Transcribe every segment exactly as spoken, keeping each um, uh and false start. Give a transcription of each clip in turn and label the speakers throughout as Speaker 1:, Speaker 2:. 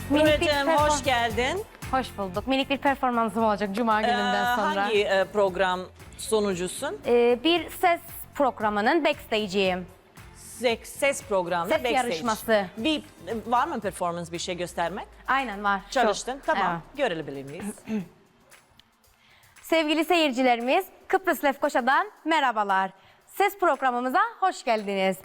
Speaker 1: Minik bir
Speaker 2: Nureciğim
Speaker 1: perform-
Speaker 2: hoş geldin.
Speaker 1: Hoş bulduk. Minik bir performansım olacak Cuma
Speaker 2: Ee,
Speaker 1: gününden sonra.
Speaker 2: hangi e, program sonucusun?
Speaker 1: Ee, bir ses programının backstage'iyim.
Speaker 2: Ses, ses programı,
Speaker 1: Ses
Speaker 2: backstage.
Speaker 1: yarışması.
Speaker 2: Bir, var mı performans bir şey göstermek?
Speaker 1: Aynen var. Çok.
Speaker 2: Çalıştın, tamam.
Speaker 1: Evet.
Speaker 2: Görebilir miyiz?
Speaker 1: Sevgili seyircilerimiz, Kıbrıs Lefkoşa'dan merhabalar. Ses programımıza hoş geldiniz.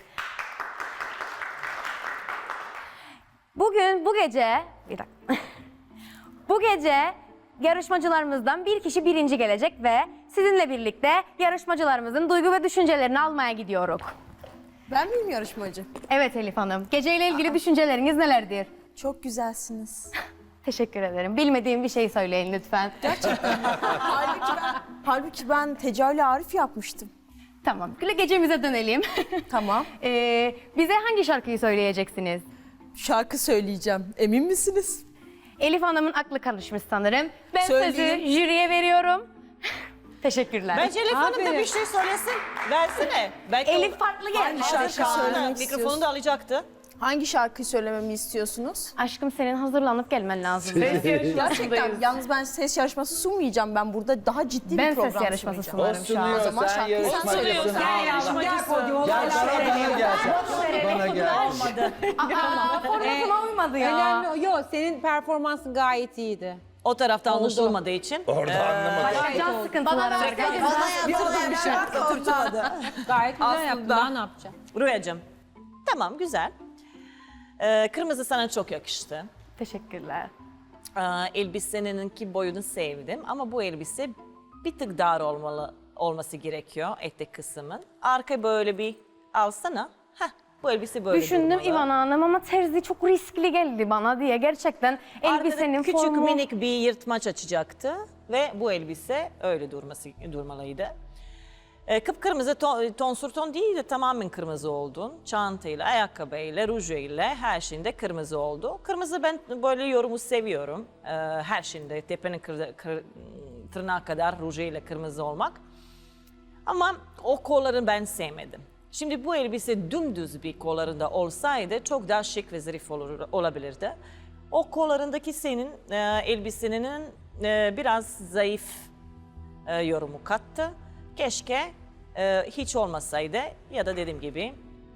Speaker 1: Bugün, bu gece... Bir dakika. Bu gece yarışmacılarımızdan bir kişi birinci gelecek ve sizinle birlikte yarışmacılarımızın duygu ve düşüncelerini almaya gidiyoruz.
Speaker 3: Ben miyim yarışmacı?
Speaker 1: Evet Elif Hanım, geceyle ilgili düşünceleriniz nelerdir?
Speaker 3: Çok güzelsiniz.
Speaker 1: Teşekkür ederim. Bilmediğim bir şey söyleyin lütfen.
Speaker 3: halbuki, ben, halbuki ben Tecavüle Arif yapmıştım.
Speaker 1: Tamam, gecemize dönelim.
Speaker 3: Tamam.
Speaker 1: Ee, bize hangi şarkıyı söyleyeceksiniz?
Speaker 3: Şarkı söyleyeceğim. Emin misiniz?
Speaker 1: Elif Hanım'ın aklı karışmış sanırım. Ben
Speaker 3: Söyleyeyim.
Speaker 1: sözü jüriye veriyorum. Teşekkürler.
Speaker 2: Bence Elif Hanım da bir şey söylesin. Versene. Belki
Speaker 1: Elif farklı geldi.
Speaker 3: Hangi şarkı
Speaker 2: Şu anda
Speaker 3: söylemek
Speaker 2: mikrofonu
Speaker 3: istiyorsun?
Speaker 2: da alacaktı.
Speaker 3: Hangi şarkıyı söylememi istiyorsunuz?
Speaker 1: Aşkım senin hazırlanıp gelmen lazım.
Speaker 3: Gerçekten yalnız ben ses yarışması sunmayacağım. Ben burada daha ciddi
Speaker 1: Ben
Speaker 3: bir program
Speaker 1: ses yarışması
Speaker 3: sunacağım.
Speaker 1: sunarım şu an.
Speaker 3: O zaman
Speaker 4: sen
Speaker 3: şarkıyı sen
Speaker 4: yarışmacısın.
Speaker 3: söyle.
Speaker 2: Gel yarışmacısın.
Speaker 4: Gel bana gel. Bana gel.
Speaker 2: Olmadı.
Speaker 1: Aa, formatıma uymadı ya.
Speaker 5: Önemli o. Yok, senin performansın gayet iyiydi.
Speaker 2: O tarafta anlaşılmadığı için.
Speaker 4: Orada anlamadım.
Speaker 1: Can sıkıntıları var.
Speaker 5: Gayet güzel yaptın. Daha ne yapacaksın?
Speaker 2: Rüyacığım. Tamam, güzel. Ee, kırmızı sana çok yakıştı.
Speaker 1: Teşekkürler.
Speaker 2: Ee, elbiseninki boyunu sevdim ama bu elbise bir tık dar olmalı olması gerekiyor etek kısmın. Arka böyle bir alsana. Heh, bu elbise böyle
Speaker 1: Düşündüm
Speaker 2: durmalı.
Speaker 1: İvan Hanım ama terzi çok riskli geldi bana diye. Gerçekten
Speaker 2: Arkada
Speaker 1: elbisenin
Speaker 2: küçük
Speaker 1: formu...
Speaker 2: minik bir yırtmaç açacaktı ve bu elbise öyle durması durmalıydı. Ee, kıpkırmızı ton, tonsür ton değil de tamamen kırmızı oldun. Çantayla, ayakkabıyla, rujuyla her şeyinde kırmızı oldu. Kırmızı ben böyle yorumu seviyorum. Ee, her şeyinde tepenin kır, kır, tırnağa kadar rujuyla kırmızı olmak. Ama o kolları ben sevmedim. Şimdi bu elbise dümdüz bir kollarında olsaydı çok daha şık ve zarif olur, olabilirdi. O kollarındaki senin e, elbisenin e, biraz zayıf e, yorumu kattı. Keşke e, hiç olmasaydı ya da dediğim gibi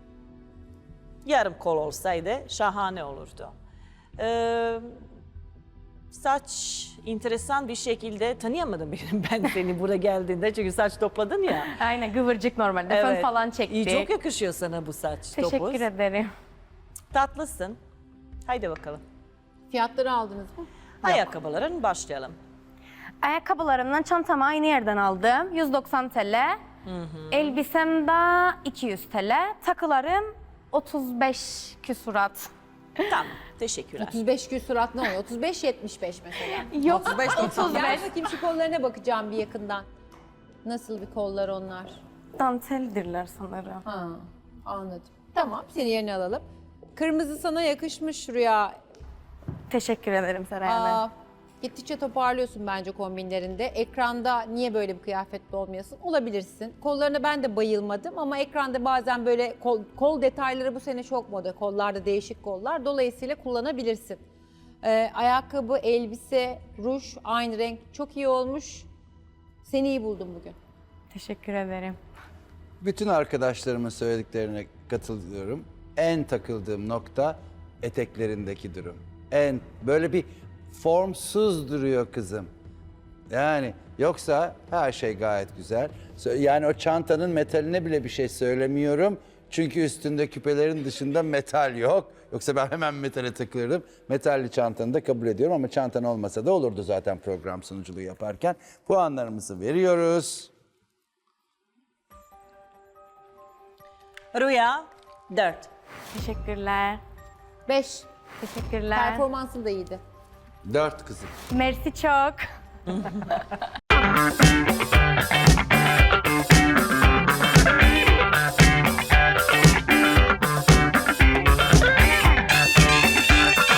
Speaker 2: yarım kol olsaydı şahane olurdu. E, saç enteresan bir şekilde tanıyamadım benim ben seni buraya geldiğinde çünkü saç topladın ya.
Speaker 1: Aynen kıvırcık normalde. Fön falan çekti.
Speaker 2: İyi, çok yakışıyor sana bu saç
Speaker 1: Teşekkür
Speaker 2: topuz.
Speaker 1: ederim.
Speaker 2: Tatlısın. Haydi bakalım.
Speaker 5: Fiyatları aldınız mı?
Speaker 2: Ayakkabıların başlayalım.
Speaker 1: Ayakkabılarımdan çantamı aynı yerden aldım. yüz doksan TL. Elbisem de iki yüz TL. Takılarım otuz beş küsurat.
Speaker 2: Tamam. Teşekkürler.
Speaker 5: otuz beş küsurat ne oluyor? otuz beş yetmiş beş mesela.
Speaker 1: Yok otuz
Speaker 5: Gel
Speaker 1: beş.
Speaker 5: bakayım şu kollarına bakacağım bir yakından. Nasıl bir kollar onlar?
Speaker 1: Danteldirler sanırım.
Speaker 5: Ha, anladım. Tamam, seni yerine alalım. Kırmızı sana yakışmış Rüya.
Speaker 1: Teşekkür ederim Seray Hanım.
Speaker 5: Aa, gittikçe toparlıyorsun bence kombinlerinde. Ekranda niye böyle bir kıyafetle olmayasın? Olabilirsin. Kollarına ben de bayılmadım ama ekranda bazen böyle kol, kol detayları bu sene çok moda. Kollarda değişik kollar. Dolayısıyla kullanabilirsin. Ee, ayakkabı, elbise, ruj aynı renk çok iyi olmuş. Seni iyi buldum bugün.
Speaker 1: Teşekkür ederim.
Speaker 4: Bütün arkadaşlarımın söylediklerine katılıyorum. En takıldığım nokta eteklerindeki durum. En böyle bir formsuz duruyor kızım. Yani yoksa her şey gayet güzel. Sö- Yani o çantanın metaline bile bir şey söylemiyorum. Çünkü üstünde küpelerin dışında metal yok. Yoksa ben hemen metale takılırdım. Metalli çantanı da kabul ediyorum ama çantan olmasa da olurdu zaten program sunuculuğu yaparken. Puanlarımızı veriyoruz.
Speaker 2: Rüya dört.
Speaker 1: Teşekkürler.
Speaker 5: beş.
Speaker 1: Teşekkürler.
Speaker 5: Performansın da iyiydi.
Speaker 4: Dört kızım.
Speaker 1: Mersi çok.